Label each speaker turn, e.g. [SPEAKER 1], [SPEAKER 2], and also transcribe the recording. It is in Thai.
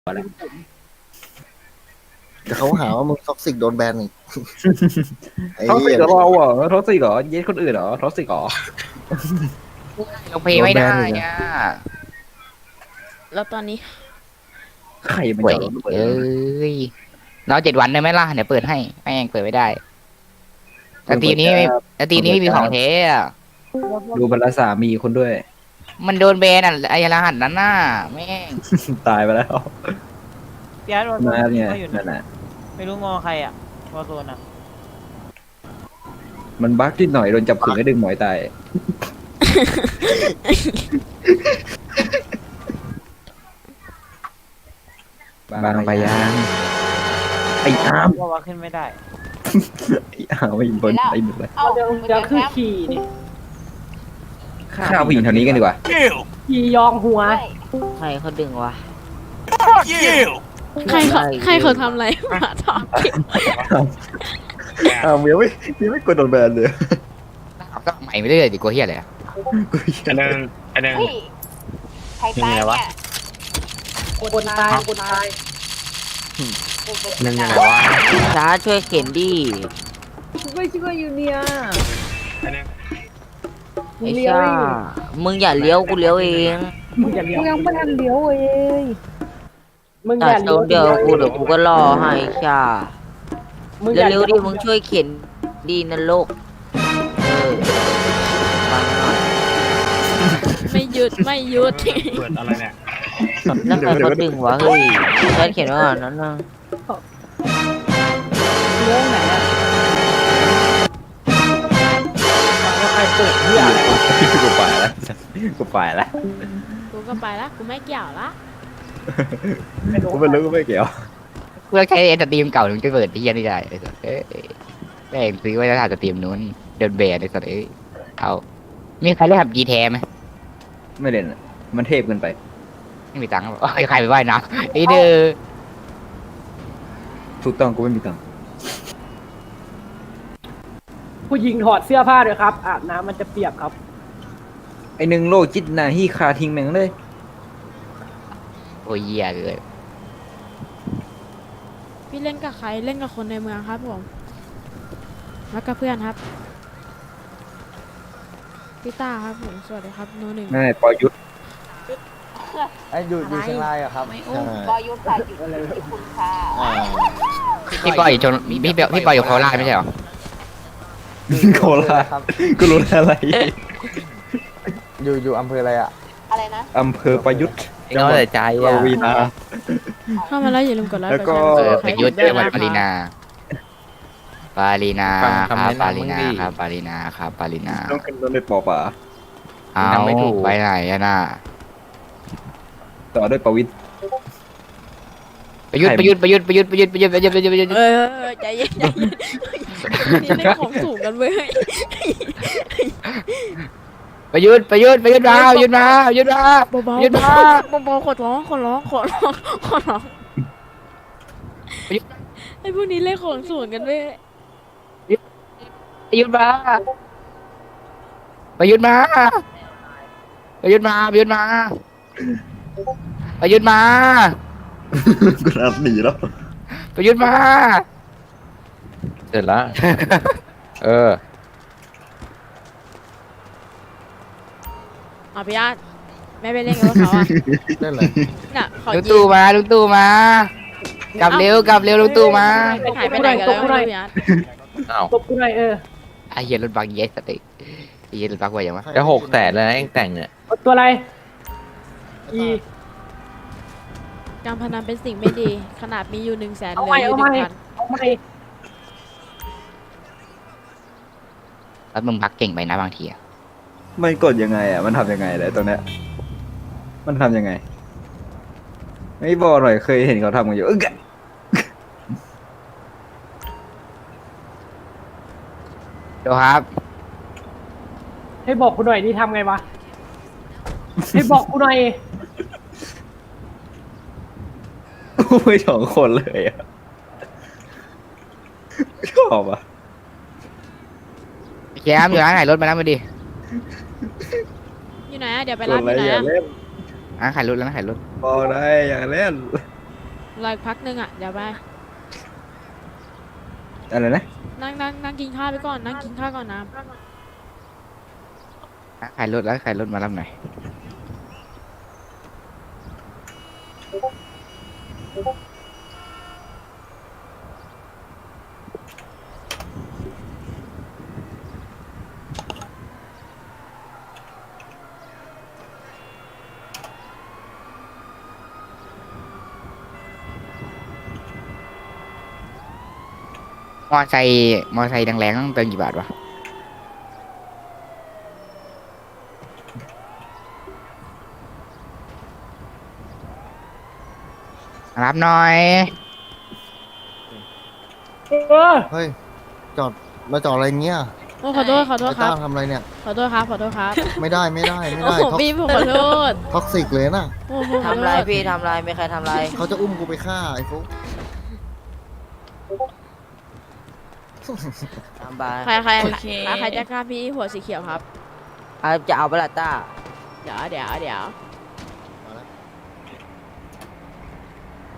[SPEAKER 1] เดี๋ยวเขาหาว่ามึงท็อกซิกโดนแบนอีกไอ้
[SPEAKER 2] ท็อกซิ
[SPEAKER 1] เหี้
[SPEAKER 2] ก
[SPEAKER 1] ย
[SPEAKER 2] เหรอเราเหรอท็อกซิกเหรอเย็ดคนอื่นเหรอท็อกซิกเหรอ
[SPEAKER 3] เราเพย์ไม่ได้อ่ะ
[SPEAKER 4] แล้วตอนนี้
[SPEAKER 2] ใครมัน
[SPEAKER 3] เว้ย
[SPEAKER 2] จะรู้เปิด
[SPEAKER 3] เอ้ยเรา7 วันได้ไหมล่ะเดี๋ยวเปิดให้แม่งเปิดไม่ได้แต่ทีนี้ไม่มีของเทอ่ะ
[SPEAKER 2] ดูบรรดาสามีคนด้วย
[SPEAKER 3] มันโดนแบนอ่ะไอ้รหัสนั้นน่ะแม่ง
[SPEAKER 2] ตายไปแล้ว
[SPEAKER 5] พี่อาร์ตวอลโซ
[SPEAKER 2] มาน เนี่ย
[SPEAKER 5] ก็อยู่
[SPEAKER 2] นั่
[SPEAKER 5] นะ
[SPEAKER 2] นแหละ
[SPEAKER 5] ไม่รู้งอใครอ่ะวอลโซนอ่ะ
[SPEAKER 2] มันบั๊กนิดหน่อยโดนจับขึงให้ดึงหมอยตายบางไปยังไอ้อาร์ม
[SPEAKER 5] ว่าขึ้นไม่ได้
[SPEAKER 2] ไอ้อาร์มไม่บนไอ้หมดเลย
[SPEAKER 6] เอาเดี๋ยวคือขี่นี่
[SPEAKER 2] ฆ่าผู้หญิงแถวนี้กันดีกว่า
[SPEAKER 6] ขี่ยองหัว
[SPEAKER 7] ใครเขาดึงวะ
[SPEAKER 4] ใครเขาทำอะไรมาถอดคลิป
[SPEAKER 2] อาร์มยังไม่กดโดนแบนเลย
[SPEAKER 3] ก็ใหม่ไม่เรื่อยดิกลัวเฮียอะไรอะ
[SPEAKER 8] อันนึง
[SPEAKER 6] เฮ้ยใครตายเนี่ยคนตายคนตาย
[SPEAKER 8] นึงยังไงวะ
[SPEAKER 7] ช้าช่วยเข็นดิ
[SPEAKER 6] ช่วยอยู่เนี่ย
[SPEAKER 8] อันนึง
[SPEAKER 7] ไอ้ชามึงอย่าเลี้ยวกูเลี้ยวเอง
[SPEAKER 6] มึงอย่าเลี้ยวยังไม่ทันเลี้ยวเอ้ยมึงอ
[SPEAKER 7] ตั
[SPEAKER 6] ย่า
[SPEAKER 7] ด
[SPEAKER 6] เลี้
[SPEAKER 7] ต
[SPEAKER 6] ย
[SPEAKER 7] ร
[SPEAKER 6] ว
[SPEAKER 7] งเดียวกูเดี๋ยวกูก็รอให้ชา
[SPEAKER 6] มึงอย่า
[SPEAKER 7] เร็วๆดิมึงช่วยเข็นดีนะลูกฟังหน่อย
[SPEAKER 4] ไม่หยุด
[SPEAKER 8] เปิดอะไรเนี่ย
[SPEAKER 7] แล้วใครเขาดึงวะเฮ้ยฉันเขียนว่านั้นนะ
[SPEAKER 6] เลี้ยวไหนอ่ะแล้วใครเปิดเหี้ยอะไรวะ
[SPEAKER 2] กูไปแล้วกูไปแล้ว
[SPEAKER 4] กูก็ไปละกูไม่เกี่ยวละ
[SPEAKER 2] กูไม่รู้กูไม่เกี่ยว
[SPEAKER 3] เพื่อใช้สตรีมเก่าถึงจะเปิดที่ยันได้ไอ้สัสเอ้ยแม่งซื้อไว้แล้วถ่ายสตรีมนู้นเดินแบนไอ้สัสเอ้ยเอามีใครเล่นขับจีแทไหม
[SPEAKER 2] ไม่เล่นอะมันเทพเกินไป
[SPEAKER 3] ไม่มีตังค์หรอใครไปว่ายน้ำไอ้เด้อ
[SPEAKER 2] ถูกต้องกูไม่มีตังค์
[SPEAKER 6] ผู้หญิงถอดเสื้อผ้าด้วยครับอาบน้ำมันจะเปียกครับ
[SPEAKER 2] ไอ้หนึ่งโลจิตนาฮีคาทิ้งแม่งเลย
[SPEAKER 3] โอ้ยเหี้ยเลย
[SPEAKER 4] พี่เล่นกับใครเล่นกับคนในเมืองครับผมแล้วกับเพื่อนครับพี่ต้าครับผมสวัสดีครับโนหนึ่ง
[SPEAKER 2] นั่นแหละปอยุทธ
[SPEAKER 1] ไอ้อยู่เชียงรายอะครับ
[SPEAKER 6] ไม่อุ้มบอยุทธ์ค่ะอยู่ที่คุณค่ะ
[SPEAKER 3] พี่ปอยอยู่ชนพี่ปอยอยู่โคราชไม่ใช่เหรอ
[SPEAKER 2] โคราชกูรู้แล้วอะไร
[SPEAKER 1] อยู่อำเภออะไรอ่ะ
[SPEAKER 6] อะไรนะ
[SPEAKER 2] อำเภอประยุทธ์
[SPEAKER 3] น้อยแต่ใจ
[SPEAKER 2] ป
[SPEAKER 3] อ่ะ
[SPEAKER 2] วีนา
[SPEAKER 4] เข้ามาแล้วอย่าลืมกดไลค์
[SPEAKER 2] แล้วก็
[SPEAKER 4] กดแชร์
[SPEAKER 3] ประยุทธ์จังหวัดปารีนาครับปารีนาครับปารีนาครับปารีนา
[SPEAKER 2] ต้องขึ้นรถในปอป่า
[SPEAKER 3] เอาไปไหนอะน่ะ
[SPEAKER 2] ต่อด้วยประวิทย์
[SPEAKER 3] ประยุทธ์
[SPEAKER 4] เออใจเย็นนี่เล่นของสูงกันเว้ย
[SPEAKER 3] ประยุทธ์มาประยุทธ์มา
[SPEAKER 4] เบาๆเบาๆขอร้องไอ้พวกนี้เล่นของสูงกันเว้ย
[SPEAKER 3] ประยุทธ์มาประยุทธ์มาประยุทธ์มา
[SPEAKER 2] กูนับหนีแล้ว
[SPEAKER 3] ประยุทธ์มา
[SPEAKER 8] เสร็จแล้ว
[SPEAKER 3] เออ
[SPEAKER 4] พี่อาร์ตไม่ไปเล่นกับเขาอ่ะ
[SPEAKER 1] นั่นเลย
[SPEAKER 4] น่ะขอ
[SPEAKER 3] ลุง
[SPEAKER 4] ยิ
[SPEAKER 3] ตู่มากลับเร็วลุงตู่มา
[SPEAKER 4] หายไปไหนกันแล้วพี่อาร์ต
[SPEAKER 8] อ้าว
[SPEAKER 6] ตบกูหน่อย
[SPEAKER 3] ไอ้เหี้ยรถบังเย็ดสติไอ้เหี้ยรถบังไว้ยังวะ
[SPEAKER 8] จะ600,000แล้วนะเองแต่งเนี่ย
[SPEAKER 6] ตัวอะไรอี
[SPEAKER 4] การพนันเป็นสิ่งไม่ดี ขนาดมีอยู่100,000
[SPEAKER 6] เอา
[SPEAKER 4] เหลื
[SPEAKER 6] ใหม่
[SPEAKER 4] ออยู่
[SPEAKER 6] เอาใหม่
[SPEAKER 4] 1,000
[SPEAKER 6] เอาใหม่
[SPEAKER 3] แล้วมึงพักเก่งไปนะบางทีอะ
[SPEAKER 2] มันกดยังไงอ่ะมันทำยังไงเลยตัวเนี้ยมันทำยังไงไม่บอกหน่อยเคยเห็นเขาทำกันอยู่กะ
[SPEAKER 3] เดี๋ยวครับ
[SPEAKER 6] ให้บอกกูหน่อยนี่ทำไงวะให้บอกกูหน่อย
[SPEAKER 2] โอ้ย2 คนเลยอ่ะชอบอ่ะ
[SPEAKER 3] แคมอยู่ร้านขายรถมาแล้วมาดิ
[SPEAKER 4] อยู่ไหนอะเดี๋ยวไป
[SPEAKER 2] ก
[SPEAKER 4] รั
[SPEAKER 2] ด
[SPEAKER 4] บ
[SPEAKER 2] อะไร
[SPEAKER 4] อยู่ไหน
[SPEAKER 2] อย่า
[SPEAKER 4] อะ
[SPEAKER 2] เล่น
[SPEAKER 3] ร้านขายรถ
[SPEAKER 2] บอกได้อย่าเล่น
[SPEAKER 4] รออีกพักหนึงอ่ะเดี๋ยวไป
[SPEAKER 2] อะไรนะ
[SPEAKER 4] นั่งกินข้าวไปก่อนนั่งกินข้าวก่อนนะ
[SPEAKER 3] ขายรถแล้วขายรถมารับหน่อยมอไซค์แรงๆต้องเติมกี่บาทวะรับหน่อย
[SPEAKER 6] เออ
[SPEAKER 1] เฮ้ยจอดมาจอดอะไรเงี้ย
[SPEAKER 4] โอ้ขอโทษขอโทษ
[SPEAKER 1] ไอ้
[SPEAKER 4] ครั
[SPEAKER 1] ต้า
[SPEAKER 4] บ
[SPEAKER 1] ทำอะไรเนี่ย
[SPEAKER 4] ขอโทษครับขอโทษครับ
[SPEAKER 1] ไม่ได้ไม่ได้ไม่
[SPEAKER 4] โอ้
[SPEAKER 1] ได้
[SPEAKER 4] โหพี่ผมขอโทษ
[SPEAKER 1] ท็อกซิกเลยนะ
[SPEAKER 4] โอ้โหขอโทษ
[SPEAKER 7] ทำไรพี่ทำไรไม่ใครทำไร
[SPEAKER 1] เขาจะอุ้มกูไปฆ่าไอ้ฟุ๊ก
[SPEAKER 7] ทำบาย
[SPEAKER 4] ใครจะกล้าพี่หัวสีเขียวครับ
[SPEAKER 7] จะเอาเปล่าต้า
[SPEAKER 4] เดี๋ยว